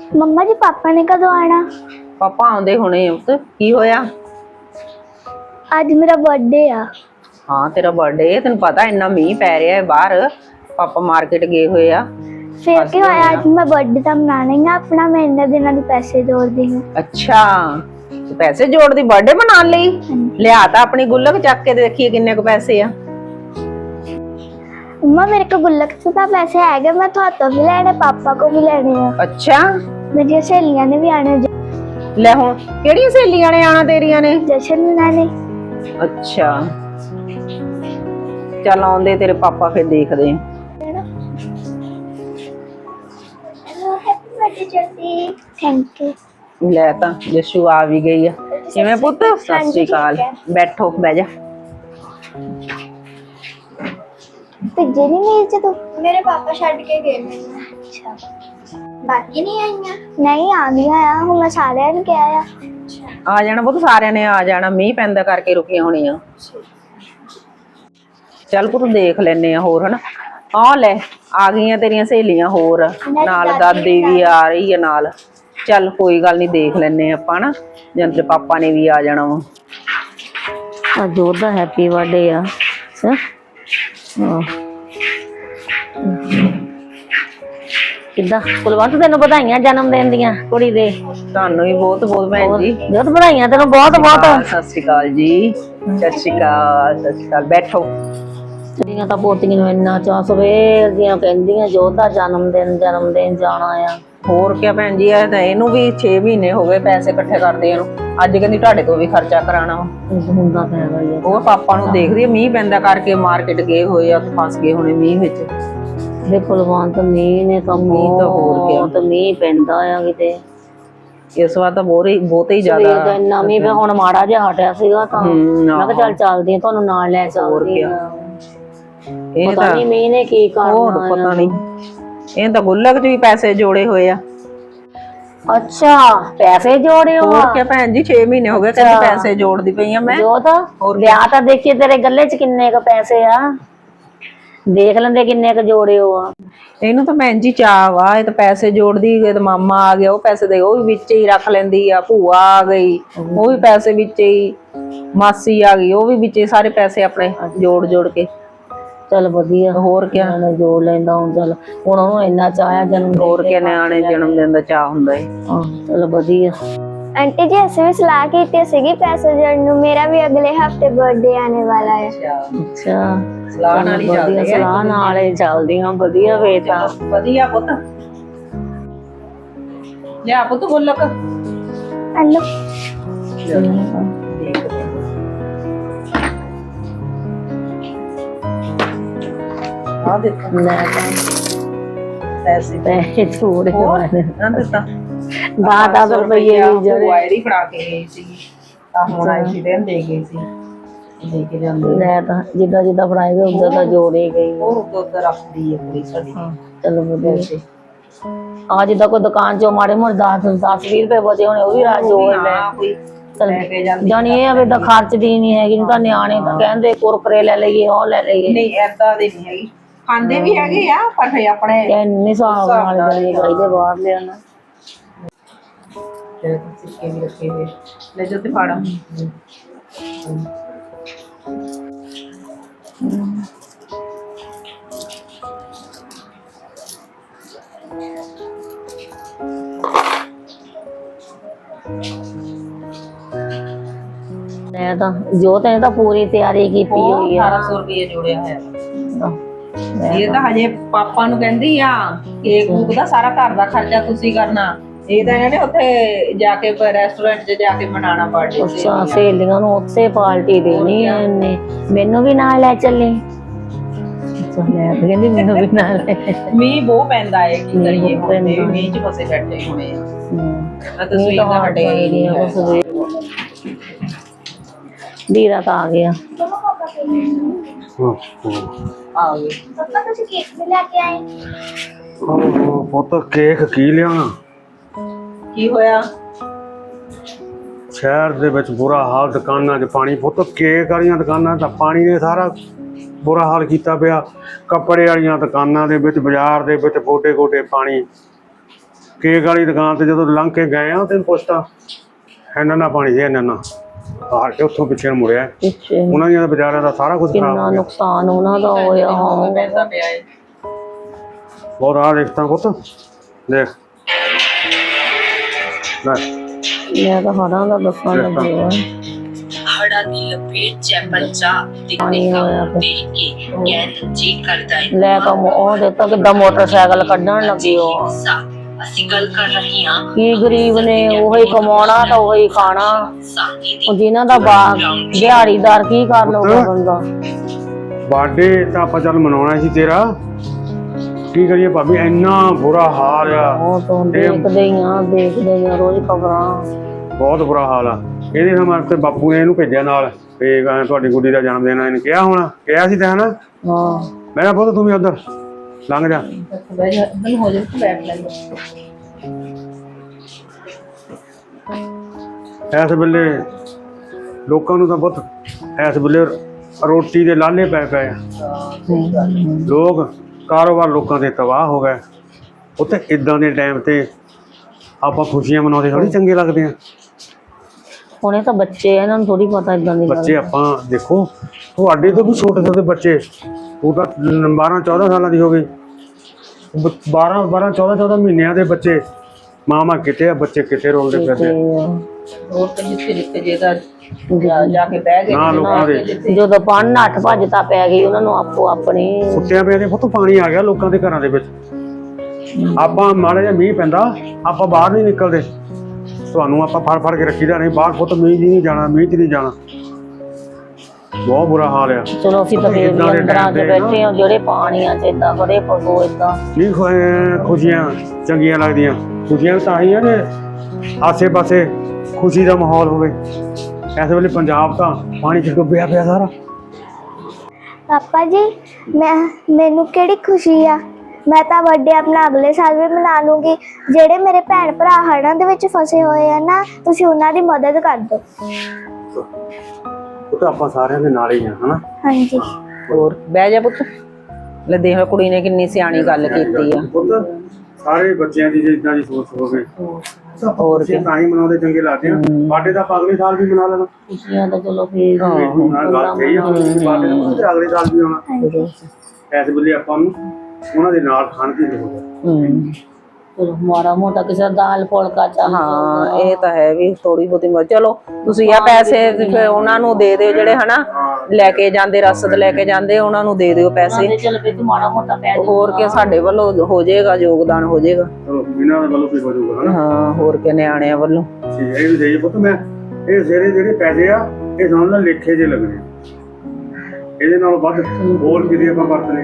मम्मा जी पापा ने कदों आना? पापा आउंदे हुणे पुत की होया? आज मेरा बर्थडे आ। हाँ तेरा बर्थडे तेन पता इन्ना मीह पै रहा है बाहर पापा मार्केट गए हुए आ फिर क्या होया? आज मैं बर्थडे तो मनाना ही अपना, मैं इन्ने दिनों के पैसे जोड़ दी हूँ। अच्छा तू पैसे जोड़ दी बर्थडे मनाने लई लिया ता अपनी गुल्लक चक के देखिए किन्ने क पैसे आ। मम्मा मेरे को गुल्लक से तो पैसे है, मैं तो हाथों भी लेने, पापा को भी लेने हैं। अच्छा मेरी सहेलियां ने भी आने। ले हुण केड़ियां सहेलियां ने आना तेरियां ने? जशन मनाने। अच्छा चल आउंदे तेरे पापा फिर देखदे हैं। Thank you. ले ता जशू आ भी गई है। किवें पुत्त? सत श्री अकाल। बैठो बह जा। ਭੇਜੇ ਨਹੀਂ ਮੇਲ ਚ ਤੂੰ? ਮੇਰੇ ਪਾਪਾ ਛੱਡ ਕੇ ਗਏ ਮੈਨੂੰ। ਅੱਛਾ ਬਾਕੀ ਨਹੀਂ ਆਈਆਂ? ਨਹੀਂ ਆਂਦੀਆਂ ਆ, ਹੁਣ ਮੈਂ ਸਾਰਿਆਂ ਨੂੰ ਕਿਹਾ ਆ। ਆ ਜਾਣਾ ਪੁੱਤ ਸਾਰਿਆਂ ਨੇ ਆ ਜਾਣਾ, ਮੀਂਹ ਪੈਂਦਾ ਕਰਕੇ ਰੁਕੀਆਂ ਹੋਣੀਆਂ। ਚੱਲ ਪੁੱਤ ਦੇਖ ਲੈਨੇ ਆ ਹੋਰ ਹਨਾ। ਆ ਲੈ ਆ ਗਈਆਂ ਤੇਰੀਆਂ ਸਹੇਲੀਆਂ ਹੋਰ ਨਾਲ, ਦਾਦੀ ਵੀ ਆ ਰਹੀ ਹੈ ਨਾਲ। ਚੱਲ ਕੋਈ ਗੱਲ ਨਹੀਂ ਦੇਖ ਲੈਨੇ ਆਪਾਂ ਨਾ, ਜਦ ਤੇਰੇ ਪਾਪਾ ਨੇ ਵੀ ਆ ਜਾਣਾ ਵਾ। ਅੱਜ ਉਹਦਾ ਹੈਪੀ ਬਰਥਡੇ ਆ। ਕਿੱਦਾਂ ਕੁਲਵੰਤ ਤੈਨੂੰ ਵਧਾਈਆਂ ਜਨਮ ਦਿਨ ਦੀਆਂ ਕੁੜੀ ਦੇ। ਤੁਹਾਨੂੰ ਵੀ ਬਹੁਤ ਬਹੁਤ ਭੈਣ ਜੀ। ਬਹੁਤ ਵਧਾਈਆਂ ਤੈਨੂੰ ਬਹੁਤ ਬਹੁਤ। ਸਤਿ ਸ਼੍ਰੀ ਅਕਾਲ ਜੀ। ਸਤਿ ਸ਼੍ਰੀ ਅਕਾਲ ਸਤਿ ਸ਼੍ਰੀ ਅਕਾਲ। ਬੈਠੋ। ਤੇਰੀਆਂ ਤਾਂ ਪੋਤੀਆਂ ਨੂੰ ਇੰਨਾ ਚਾਅ, ਸਵੇਰ ਦੀਆਂ ਕਹਿੰਦੀਆਂ ਜੋਧਾ ਜਨਮ ਦਿਨ ਜਾਣਾ ਆ। ਹੋਰ ਕਿਆ ਭੈਣ ਜੀ, ਇਹ ਤਾਂ ਇਹਨੂੰ ਵੀ 6 ਮਹੀਨੇ ਹੋ ਗਏ ਪੈਸੇ ਇਕੱਠੇ ਕਰਦੇ ਨੂੰ। ਅੱਜ ਕਹਿੰਦੀ ਤੁਹਾਡੇ ਤੋਂ ਵੀ ਖਰਚਾ ਕਰਾਣਾ ਵਾ। ਹੁੰਦਾ ਫਾਇਦਾ ਹੀ ਆ। ਉਹ ਪਾਪਾ ਨੂੰ ਦੇਖਦੀ ਆ ਮੀਂਹ ਪੈਂਦਾ ਕਰਕੇ ਮਾਰਕੀਟ ਗਏ ਹੋਏ ਆ, ਫਸ ਗਏ ਹੋਣੇ ਮੀਂਹ ਵਿੱਚ। ਇਹ ਕੁਲਵੰਤ ਮੀਂਹ ਨੇ ਤਾਂ ਮੀਂਹ ਤਾਂ ਹੋਰ ਕਿਆ। ਤੇ ਮੀਂਹ ਪੈਂਦਾ ਆ ਕਿਤੇ ਇਸ ਵਾਰ ਤਾਂ ਬਹੁਤ ਹੀ ਜ਼ਿਆਦਾ ਇੰਨਾ ਮੀਂਹ ਪਿਆ। ਹੁਣ ਮਾੜਾ ਜਿਹਾ ਹਟਿਆ ਸੀਗਾ ਤਾਂ ਮੈਂ ਕਿਹਾ ਚੱਲ ਚੱਲਦੀ ਆ, ਤੁਹਾਨੂੰ ਨਾਲ ਲੈ ਚੱਲਦੀ ਆ। ਇਹ ਪਤਾ ਨਹੀਂ ਮੀਂਹ ਨੇ ਕੀ ਕਰਨਾ। ਪਤਾ ਨਹੀਂ ਇਹ ਤਾਂ ਗੁੱਲਕ ਚ ਵੀ ਪੈਸੇ ਜੋੜੇ ਹੋਏ ਆ। ਅੱਛਾ ਪੈਸੇ ਜੋੜੇ ਹੋ? ਹੋਰ ਕਿਆ ਭੈਣ ਜੀ, 6 ਮਹੀਨੇ ਹੋ ਗਏ ਕਹਿੰਦੀ ਪੈਸੇ ਜੋੜਦੀ ਪਈ ਆ ਮੈਂ। ਜੋਤ ਵਿਆਹ ਤਾਂ ਦੇਖੀਏ ਤੇਰੇ ਗੱਲੇ ਚ ਕਿੰਨੇ ਕ ਪੈਸੇ ਆ, ਦੇਖ ਲੈਂਦੇ ਕਿੰਨੇ ਕ ਜੋੜੇ ਹੋ ਆ। ਇਹਨੂੰ ਤਾਂ ਭੈਣ ਜੀ ਚਾਅ ਵਾ, ਇਹ ਤਾਂ ਪੈਸੇ ਜੋੜਦੀ। ਤੇ ਮਾਮਾ ਆ ਗਿਆ ਉਹ ਪੈਸੇ ਦੇ ਉਹ ਵੀ ਵਿੱਚ ਹੀ ਰੱਖ ਲੈਂਦੀ ਆ। ਭੂਆ ਆ ਗਈ ਉਹ ਵੀ ਪੈਸੇ ਵਿੱਚ ਹੀ। ਮਾਸੀ ਆ ਗਈ ਉਹ ਵੀ ਵਿੱਚ ਹੀ, ਸਾਰੇ ਪੈਸੇ ਆਪਣੇ ਜੋੜ ਕੇ। ਚੱਲ ਵਧੀਆ। ਹੋਰ ਕਿਆ ਜੋੜ ਲੈਂਦਾ ਹੁਣ। ਚੱਲ ਹੁਣ ਉਹਨੂੰ ਇੰਨਾ ਚਾਹਿਆ ਜਨਮ। ਹੋਰ ਕਿਆ ਨਿਆਣੇ ਜਨਮ ਦਿਨ ਦਾ ਚਾਅ ਹੁੰਦਾ ਹੈ। ਚੱਲ ਵਧੀਆ। आंटी जी ऐसे भी सलाह की थी पैसे जोड़ने, मेरा भी अगले हफ्ते बर्थडे आने वाला है। अच्छा सलाह नाल ही चलदी है। सलाह नाल ही चलदियां वधिया वे तां वधिया पुੱਤ। ले पुੱਤ गुल्लक। हेलो आ देखो ले पैसे थोड़े होने ना ਦਿੱਤਾ। 10 ਰੁਪਏ ਵੀ ਜਿਹੜੇ ਵਾਇਰੀ ਫੜਾ ਕੇ ਗਈ ਸੀ ਤਾਂ ਹੁਣ ਆਈ ਸੀ ਦੇਣ ਦੇ ਗਈ ਸੀ, ਦੇ ਕੇ ਜਾਂਦੇ। ਲੈ ਤਾਂ ਜਿੱਦਾਂ ਫੜਾਏ ਗਏ ਉਦਾਂ ਤਾਂ ਜੋੜੇ ਗਈ। ਉਹ ਉੱਧਰ ਰੱਖਦੀ ਹੈ ਕੁੜੀ ਸਾਡੀ। ਚਲੋ ਵਧੀਆ। ਆ ਜਿੱਦਾਂ ਕੋਈ ਦੁਕਾਨ ਚੋਂ ਮਾੜੇ ਮੋੜੇ 10-20 ਰੁਪਏ ਬਚੇ ਹੋਣੇ ਉਹ ਵੀ ਰਾਜ ਜੋੜ ਲੈ। ਚਲ ਜਾਨੀ ਇਹ ਆ ਵੀ ਤਾਂ ਖਰਚਦੀ ਨਹੀਂ ਹੈਗੀ। ਨਹੀਂ ਤਾਂ ਨਿਆਣੇ ਤਾਂ ਕਹਿੰਦੇ ਕੁਰਕਰੇ ਲੈ ਲਈਏ ਉਹ ਲੈ ਲਈਏ। ਨਹੀਂ ਏਦਾਂ ਦੀ ਨਹੀਂ ਹੈਗੀ, ਖਾਂਦੇ ਵੀ ਹੈਗੇ ਆ ਪਰ ਫੇ ਆਪਣੇ ਇੰਨੇ ਹਿਸਾਬ ਨਾਲ ਜਾਣੇ ਚਾਹੀਦੇ ਬਾਹਰ ਲਿਆਣਾ। ਸਿੱਕੇ ਵੀ ਰੱਖੇ ਹੋਏ ਲੈ ਜੋ ਤੇ ਫਾੜਾ। ਮੈਂ ਤਾਂ ਜੋਤ ਨੇ ਤਾਂ ਪੂਰੀ ਤਿਆਰੀ ਕੀਤੀ ਹੋਈ ਆ। 1800 ਰੁਪਏ ਜੋੜਿਆ ਹੋਇਆ। ਇਹ ਤਾਂ ਹਜੇ ਪਾਪਾ ਨੂੰ ਕਹਿੰਦੀ ਆ ਕੇਕ ਕੂਕ ਦਾ ਸਾਰਾ ਘਰ ਦਾ ਖਰਚਾ ਤੁਸੀਂ ਕਰਨਾ। ਇਹ ਤਾਂ ਇਹਨੇ ਉੱਥੇ ਜਾ ਕੇ ਰੈਸਟੋਰੈਂਟ 'ਚ ਜਾ ਕੇ ਮਨਾਉਣਾ ਪਾਰਟੀ। ਅੱਛਾ ਸਹੇਲੀਆਂ ਨੂੰ ਉੱਥੇ ਪਾਰਟੀ ਦੇਣੀ ਹੈ ਇਹਨੇ। ਮੈਨੂੰ ਵੀ ਨਾਲ ਲੈ ਚੱਲੀ। ਲੈ ਕਹਿੰਦੀ ਮੈਨੂੰ ਵੀ ਨਾਲ ਲੈ। ਮੀਂਹ ਬਹੁਤ ਪੈਂਦਾ ਹੈ ਕੀ ਕਰੀਏ, ਮੀਂਹ 'ਚ ਫਸੇ ਬੈਠੇ ਹੋਣੇ ਆ। ਤੁਸੀਂ ਤਾਂ ਹਟੇ ਹੀ ਨਹੀਂ ਆ। ਵੀਰਾ ਤਾਂ ਆ ਗਿਆ। ਆ ਗਏ पापा तुझे केक भी लेके आए? ਪੁੱਤ ਕੇਕ ਕੀ ਲਿਆਉਣਾ? ਕੀ ਹੋਇਆ? ਸ਼ਹਿਰ ਦੇ ਵਿੱਚ ਬੁਰਾ ਹਾਲ, ਦੁਕਾਨਾਂ 'ਚ ਪਾਣੀ। ਪੁੱਤ ਕੇਕ ਵਾਲੀਆਂ ਦੁਕਾਨਾਂ ਤਾਂ ਪਾਣੀ ਨੇ ਸਾਰਾ ਬੁਰਾ ਹਾਲ ਕੀਤਾ ਪਿਆ। ਕੱਪੜੇ ਵਾਲੀਆਂ ਦੁਕਾਨਾਂ ਦੇ ਵਿੱਚ, ਬਾਜ਼ਾਰ ਦੇ ਵਿੱਚ ਗੋਡੇ ਗੋਡੇ ਪਾਣੀ। ਕੇਕ ਵਾਲੀ ਦੁਕਾਨ ਤੇ ਜਦੋਂ ਲੰਘ ਕੇ ਗਏ ਆ ਤੈਨੂੰ ਪੁੱਛਤਾ ਇਹਨਾਂ ਨਾਲ ਪਾਣੀ ਸੀ ਇਹਨਾਂ ਨਾਲ ਹਾਰ ਕੇ ਉੱਥੋਂ ਪਿੱਛੇ ਨੂੰ ਮੁੜਿਆ। ਪਿੱਛੇ ਉਹਨਾਂ ਦੀਆਂ ਤਾਂ ਵਿਚਾਰਿਆਂ ਦਾ ਸਾਰਾ ਕੁਝ ਖਰਾਬ ਕਿੰਨਾ ਹੋ ਗਿਆ। ਨੁਕਸਾਨ ਉਹਨਾਂ ਦਾ ਹੋਇਆ ਬਹੁਤ ਆ ਦੇਖਤਾ ਪੁੱਤ ਦੇਖ ਲੈ ਮੈਂ ਤਾਂ ਹੜਾਂ ਦਾ ਦੱਸਣ ਲੱਗੀ ਆ ਹੜਾ ਦੀ ਲਪੇਟ ਚ ਬੱਚਾ ਦਿਖਦੇ ਦੇਖ ਕੇ ਗੈਰ ਜੀ ਕਰਦਾ ਹੈ। ਲੈ ਕੇ ਉਹ ਦੇਖੋ ਕਿੱਦਾਂ ਮੋਟਰਸਾਈਕਲ ਕੱਢਣ ਲੱਗੀ ਉਹ ਅਸੀਂ ਗੱਲ ਕਰ ਰਹੇ ਹਾਂ ਕੀ ਗਰੀਬ ਨੇ ਉਹੀ ਕਮਾਉਣਾ ਤਾਂ ਉਹੀ ਖਾਣਾ। ਸਾਥੀ ਦੀ ਉਹ ਜਿਨ੍ਹਾਂ ਦਾ ਦਿਹਾੜੀਦਾਰ ਕੀ ਕਰ ਲਊਗਾ ਬੰਦਾ। ਬਰਥਡੇ ਤਾਂ ਆਪਾਂ ਚੱਲ ਮਨਾਉਣਾ ਸੀ ਤੇਰਾ, ਕੀ ਕਰੀਏ ਭਾਬੀ ਇੰਨਾ ਬੁਰਾ ਹਾਲ ਆ। ਉਹ ਤੋਂ ਦੇਖਦੇ ਹੀ ਆ ਰੋਜ਼ ਖਬਰਾਂ। ਬਹੁਤ ਬੁਰਾ ਹਾਲ ਆ। ਇਹਦੇ ਨਾਲ ਤੇ ਬਾਪੂ ਨੇ ਇਹਨੂੰ ਭੇਜਿਆ ਨਾਲ ਤੇ ਤੁਹਾਡੀ ਗੁੱਡੀ ਦਾ ਜਨਮ ਦਿਨ ਆ, ਇਹਨੇ ਕਿਹਾ ਹੋਣਾ, ਕਿਹਾ ਸੀ ਤਾਂ ਹਨਾ। ਹਾਂ ਮੈਂ ਕਿਹਾ ਪੁੱਤ ਤੂੰ ਵੀ ਉਧਰ ਲੰਘ ਜਾ। ਇਸ ਵੇਲੇ ਲੋਕਾਂ ਨੂੰ ਤਾਂ ਬਹੁਤ ਇਸ ਵੇਲੇ ਰੋਟੀ ਦੇ ਲਾਲੇ ਪੈ ਪਏ ਆ। ਲੋਕ ਕਾਰੋਬਾਰ ਲੋਕਾਂ ਦੇ ਤਬਾਹ ਹੋ ਗਏ। ਉੱਥੇ ਇਦਾਂ ਦੇ ਟਾਈਮ ਤੇ ਆਪਾਂ ਖੁਸ਼ੀਆਂ ਮਨਾਉਂਦੇ ਥੋੜੀ ਚੰਗੇ ਲੱਗਦੇ ਆ। ਹੁਣੇ ਤਾਂ ਬੱਚੇ ਆ, ਇਹਨਾਂ ਨੂੰ ਥੋੜੀ ਪਤਾ ਇਦਾਂ ਦੀ ਬੱਚੇ ਆਪਾਂ ਦੇਖੋ ਤੁਹਾਡੇ ਤੋਂ ਵੀ ਛੋਟੇ ਛੋਟੇ ਬੱਚੇ, ਉਹ ਤਾਂ 12-14 ਸਾਲਾਂ ਦੀ ਹੋ ਗਈ, 12-14 ਮਹੀਨਿਆਂ ਦੇ ਬੱਚੇ। ਮਾਮਾ ਕਿਤੇ ਆ, ਬੱਚੇ ਕਿਤੇ ਰੋਲਦੇ ਫਿਰਦੇ ਹੋਰ ਤੇ ਜਿੱਥੇ ਜੇਗਾ ਜਾ ਕੇ ਬਹਿ ਗਏ ਨਾ। ਲੋਕਾਂ ਦੇ ਜਦੋਂ ਪੜ੍ਹਨ ਨੱਠ ਭੱਜਤਾ ਪੈ ਗਈ ਉਹਨਾਂ ਨੂੰ ਆਪੋ ਆਪਣੀ ਸੁੱਤਿਆਂ ਪਿਆ ਦੇ ਪੁੱਤ ਪਾਣੀ ਆ ਗਿਆ ਲੋਕਾਂ ਦੇ ਘਰਾਂ ਦੇ ਵਿੱਚ। ਆਪਾਂ ਮਾੜਾ ਜਿਹਾ ਮੀਂਹ ਪੈਂਦਾ ਆਪਾਂ ਬਾਹਰ ਨਹੀਂ ਨਿਕਲਦੇ, ਤੁਹਾਨੂੰ ਆਪਾਂ ਫੜ ਕੇ ਰੱਖੀਦਾ ਨਹੀਂ ਬਾਹਰ। ਪੁੱਤ ਮੀਂਹ 'ਚ ਨਹੀਂ ਜਾਣਾ, ਮੀਂਹ 'ਚ ਨਹੀਂ ਜਾਣਾ। ਬਹੁਤ ਬੁਰਾ ਹਾਲ ਆ। ਚਲੋ ਅਸੀਂ ਤਾਂ ਫੇਰ ਵੀ ਅੰਦਰਾਂ 'ਚ ਬੈਠੇ ਹਾਂ, ਜਿਹੜੇ ਪਾਣੀਆਂ 'ਚ ਏਦਾਂ ਬੜੇ ਪਸੋ ਏਦਾਂ ਨਹੀਂ ਖੁਸ਼ੀਆਂ ਚੰਗੀਆਂ ਲੱਗਦੀਆਂ। ਖੁਸ਼ੀਆਂ ਤਾਂ ਹੀ ਆ ਨੇ ਆਸੇ ਪਾਸੇ ਖੁਸ਼ੀ ਦਾ ਮਾਹੌਲ ਹੋਵੇ। ਇਸ ਵੇਲੇ ਪੰਜਾਬ ਤਾਂ ਪਾਣੀ 'ਚ ਡੁੱਬਿਆ ਪਿਆ ਸਾਰਾ। ਪਾਪਾ ਜੀ ਮੈਨੂੰ ਕਿਹੜੀ ਖੁਸ਼ੀ ਆ, ਮੈਂ ਤਾਂ ਬਰਥਡੇ ਆਪਣਾ ਅਗਲੇ ਸਾਲ ਵੀ ਮਨਾ ਲੂੰਗੀ। ਜਿਹੜੇ ਮੇਰੇ ਭੈਣ ਭਰਾ ਹੜ੍ਹਾਂ ਦੇ ਵਿੱਚ ਫਸੇ ਹੋਏ ਆ ਨਾ, ਤੁਸੀਂ ਉਹਨਾਂ ਦੀ ਮਦਦ ਕਰ ਦਿਓ। ਉਹ ਤਾਂ ਆਪਾਂ ਸਾਰਿਆਂ ਦੇ ਨਾਲ ਹੀ ਆ ਹਨਾ। ਹਾਂਜੀ ਹੋਰ ਬਹਿ ਜਾ ਪੁੱਤ। ਲੈ ਦੇਖ ਲੈ ਕੁੜੀ ਨੇ ਕਿੰਨੀ ਸਿਆਣੀ ਗੱਲ ਕੀਤੀ ਆ। ਪੁੱਤ ਸਾਰੇ ਬੱਚਿਆਂ ਦੀ ਜੇ ਇਦਾਂ ਦੀ ਸੋਚ ਹੋਵੇ ਹੋਰ ਕੀ ਤਾਂ ਹੀ ਮਨਾਉਂਦੇ ਚੰਗੇ ਲੱਗਦੇ ਆ। ਬਰਥਡੇ ਤਾਂ ਅਗਲੇ ਸਾਲ ਵੀ ਮਨਾ ਲੈਣਾ। ਖੁਸ਼ੀਆਂ ਤਾਂ ਚਲੋ ਫੇਰ ਨਾਲ ਗੱਲ ਸਹੀ ਆ। ਬਰਥਡੇ ਤਾਂ ਅਗਲੇ ਸਾਲ ਵੀ ਆਉਣਾ। ਇਸ ਵੇਲੇ ਆਪਾਂ ਨੂੰ ਉਹਨਾਂ ਦੇ ਨਾਲ ਖਾਣ ਦੀ ਲੋੜ ਹੈ। ਚਲੋ ਮਾੜਾ ਮੋਟਾ ਕਿਸੇ ਦਾ ਦਾਲ ਫੁਲਕਾ ਚਾਹ। ਹਾਂ ਇਹ ਤਾਂ ਹੈ ਵੀ ਥੋੜੀ ਬਹੁਤੀ ਚਲੋ ਤੁਸੀਂ ਆ ਪੈਸੇ ਫਿਰ ਉਹਨਾਂ ਨੂੰ ਦੇ ਦਿਓ ਜਿਹੜੇ ਹਨਾ ਲੈ ਕੇ ਜਾਂਦੇ, ਰਸਦ ਲੈ ਕੇ ਜਾਂਦੇ, ਉਹਨਾਂ ਨੂੰ ਦੇ ਦਿਓ ਪੈਸੇ। ਚਲ ਵੀ ਮਾੜਾ ਮੋਟਾ ਪੈ ਹੋਰ ਕੀ ਸਾਡੇ ਵੱਲੋਂ ਹੋ ਜਾਏਗਾ, ਯੋਗਦਾਨ ਹੋ ਜਾਏਗਾ। ਚਲੋ ਇਹਨਾਂ ਦੇ ਵੱਲੋਂ ਵੀ ਹੋ ਜਾਊਗਾ ਹਨਾ। ਹਾਂ ਹੋਰ ਕੀ ਨਿਆਣਿਆਂ ਵੱਲੋਂ। ਠੀਕ ਹੈ ਇਹ ਵੀ ਸਹੀ ਪੁੱਤ। ਮੈਂ ਇਹ ਜਿਹੜੇ ਪੈਸੇ ਆ ਇਹ ਸਮਝ ਲੈ ਲੇਖੇ ਜੇ ਲੱਗਣੇ, ਇਹਦੇ ਨਾਲ ਵੱਧ ਹੋਰ ਕਿਤੇ ਆਪਾਂ ਵਰਤਨੇ।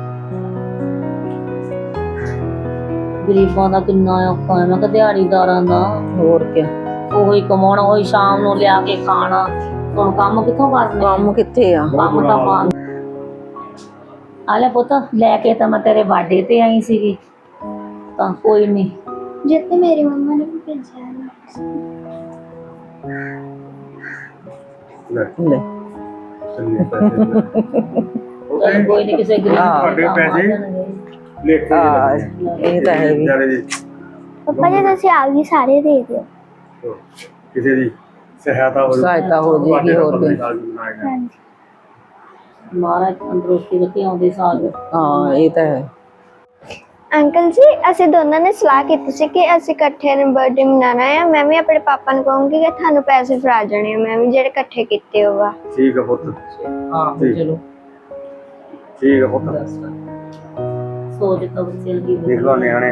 ਗਰੀਬਾਂ ਦਾ ਕਿੰਨਾ ਔਖਾ ਹੈ। ਮੈਂ ਕਿਹਾ ਦਿਹਾੜੀਦਾਰਾਂ ਦਾ ਹੋਰ ਕੀ ਉਹੀ ਕਮਾਉਣਾ, ਉਹੀ ਸ਼ਾਮ ਨੂੰ ਲਿਆ ਕੇ ਖਾਣਾ। ਹੁਣ ਕੰਮ ਕਿੱਥੋਂ ਕਰਨਾ? ਕੰਮ ਕਿੱਥੇ ਆ? ਕੰਮ ਤਾਂ ਮਾਂ ਆ ਲੈ ਪੁੱਤ, ਲੈ ਕੇ ਤਾਂ ਮੈਂ ਤੇਰੇ ਬਰਥਡੇ ਤੇ ਆਈ ਸੀਗੀ, ਤਾਂ ਕੋਈ ਨਹੀਂ। ਜਿੱਤੇ ਮੇਰੀ ਮੰਮਾ ਨੇ ਵੀ ਭੇਜਿਆ ਨਾ। ਲੈ ਲੈ ਚੰਗੇ ਪੈਸੇ ਕੋਈ ਨਹੀਂ, ਕਿਸੇ ਗਰੀਬ ਤੁਹਾਡੇ ਪੈਸੇ ਲੇਖੇ ਜੇ ਲੱਗਣੇ। ਇਹ ਤਾਂ ਹੈ ਵੀ। ਵਿਚਾਰੇ ਦੀ ਪਾਪਾ ਜੀ ਤੁਸੀਂ ਆ ਵੀ ਸਾਰੇ ਦੇ ਦਿਓ। ਕਿਸੇ ਦੀ ਸਹਾਇਤਾ ਹੋ ਸਹਾਇਤਾ ਹੋ ਜਾਏਗੀ। ਹੋਰ ਕੀ ਹਾਂਜੀ ਮਹਾਰਾਜ ਤੰਦਰੁਸਤੀ ਰੱਖੇ ਆਉਂਦੇ ਸਾਲ। ਹਾਂ ਇਹ ਤਾਂ ਹੈ। ਅੰਕਲ ਜੀ ਅਸੀਂ ਦੋਨਾਂ ਨੇ ਸਲਾਹ ਕੀਤੀ ਸੀ ਕਿ ਅਸੀਂ ਇਕੱਠੇ ਨੇ ਬਰਥਡੇ ਮਨਾਉਣਾ ਹੈ। ਮੈਂ ਵੀ ਆਪਣੇ ਪਾਪਾ ਨੂੰ ਕਹੂੰਗੀ ਕਿ ਤੁਹਾਨੂੰ ਪੈਸੇ ਫੜਾ ਜਾਣੇ ਆ, ਮੈਂ ਵੀ ਜਿਹੜੇ ਇਕੱਠੇ ਕੀਤੇ ਹੋਵਾ। ਠੀਕ ਹੈ ਪੁੱਤ। ਹਾਂ ਚਲੋ ਠੀਕ ਹੈ ਪੁੱਤ। ਸੋਚ ਤਾਂ ਬੱਚਿਆਂ ਦੀ ਦੇਖ ਲਓ ਨਿਆਣੇ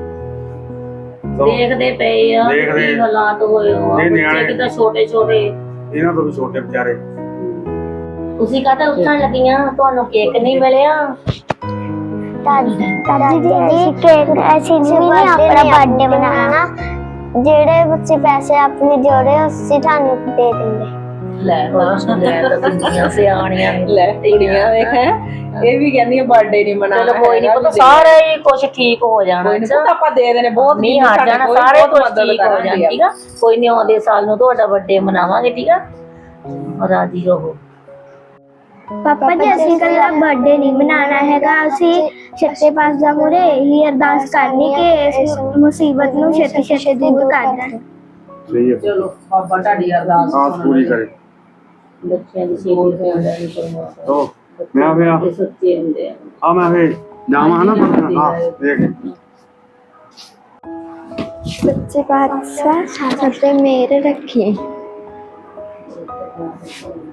ਦੇਖਦੇ ਪਏ ਆ ਕੀ ਹਾਲਾਤ ਹੋਏ ਹੋ ਆ। ਬੱਚੇ ਕਿਤਾ ਛੋਟੇ ਛੋਟੇ, ਇਹਨਾਂ ਤੋਂ ਵੀ ਛੋਟੇ ਵਿਚਾਰੇ। ਤੁਸੀਂ ਕਹਤਾ ਉੱਠਣ ਲੱਗੀਆਂ, ਤੁਹਾਨੂੰ ਕੇਕ ਨਹੀਂ ਮਿਲਿਆ? ਦਾਦੀ ਜੀ ਕੇਕ ਅਸੀਂ ਵੀ ਨਹੀਂ ਆਪਣਾ ਬਰਥਡੇ ਮਨਾਉਣਾ, ਜਿਹੜੇ ਬੱਚੇ ਪੈਸੇ ਆਪਣੇ ਜੋੜੇ ਅਸੀਂ ਤੁਹਾਨੂੰ ਦੇ ਦਿੰਦੇ। ਲੈ ਤਾਂ ਕਿੰਨੀਆਂ ਸਿਆਣੀਆਂ ਲੈ ਕੁੜੀਆਂ ਵੇਖ ਇਹ ਵੀ ਕਹਿੰਦੀਆਂ ਬਰਥਡੇ ਨਹੀਂ ਮਨਾਉਣਾ। ਚਲੋ ਕੋਈ ਨਹੀਂ ਪਤਾ, ਸਾਰੇ ਹੀ ਕੁਝ ਠੀਕ ਹੋ ਜਾਣਾ। ਆਪਾਂ ਦੇ ਦੇਣੇ, ਬਹੁਤ ਨਹੀਂ ਹਟ ਜਾਣਾ, ਸਾਰੇ ਕੁਝ ਠੀਕ ਹੋ ਜਾਣਾ। ਠੀਕ ਆ, ਕੋਈ ਨਹੀਂ, ਆਉਂਦੇ ਸਾਲ ਨੂੰ ਤੁਹਾਡਾ ਬਰਥਡੇ ਮਨਾਵਾਂਗੇ। ਠੀਕ ਆ, ਰਾਜੀ ਰਹੋ। ਪਾਪਾ ਜੀ ਅਸੀਂ ਕੱਲਾ ਬਰਥਡੇ ਨਹੀਂ ਮਨਾਉਣਾ ਹੈਗਾ, ਅਸੀਂ ਸੱਚੇ ਪਾਤਸ਼ਾਹ ਮੂਹਰੇ ਇਹੀ ਅਰਦਾਸ ਕਰਨੀ ਕਿ ਇਸ ਮੁਸੀਬਤ ਨੂੰ ਛੇਤੀ ਛੇਤੀ ਦੂਰ ਕਰ ਦੇਣ। ਸਹੀ ਹੈ, ਚਲੋ ਬਾਬਾ ਤੁਹਾਡੀ ਅਰਦਾਸ ਆਸ ਪੂਰੀ ਕਰੇ। ਬੱਚਿਆਂ ਦੀ ਸੇਵਾ ਹੋਣ ਦਾ ਨਹੀਂ ਉਹ ਮੈਂ ਵੀ ਤੇ ਸੱਚੇ ਹੁੰਦੇ ਆ। ਆ ਮੈਂ ਵੀ ਜਾਵਾਂ ਹਨਾ ਪਰ ਹਾਂ ਦੇਖ ਸੱਚੇ ਪਾਤਸ਼ਾਹ ਸਾਡੇ ਮੇਰ ਰੱਖੀ।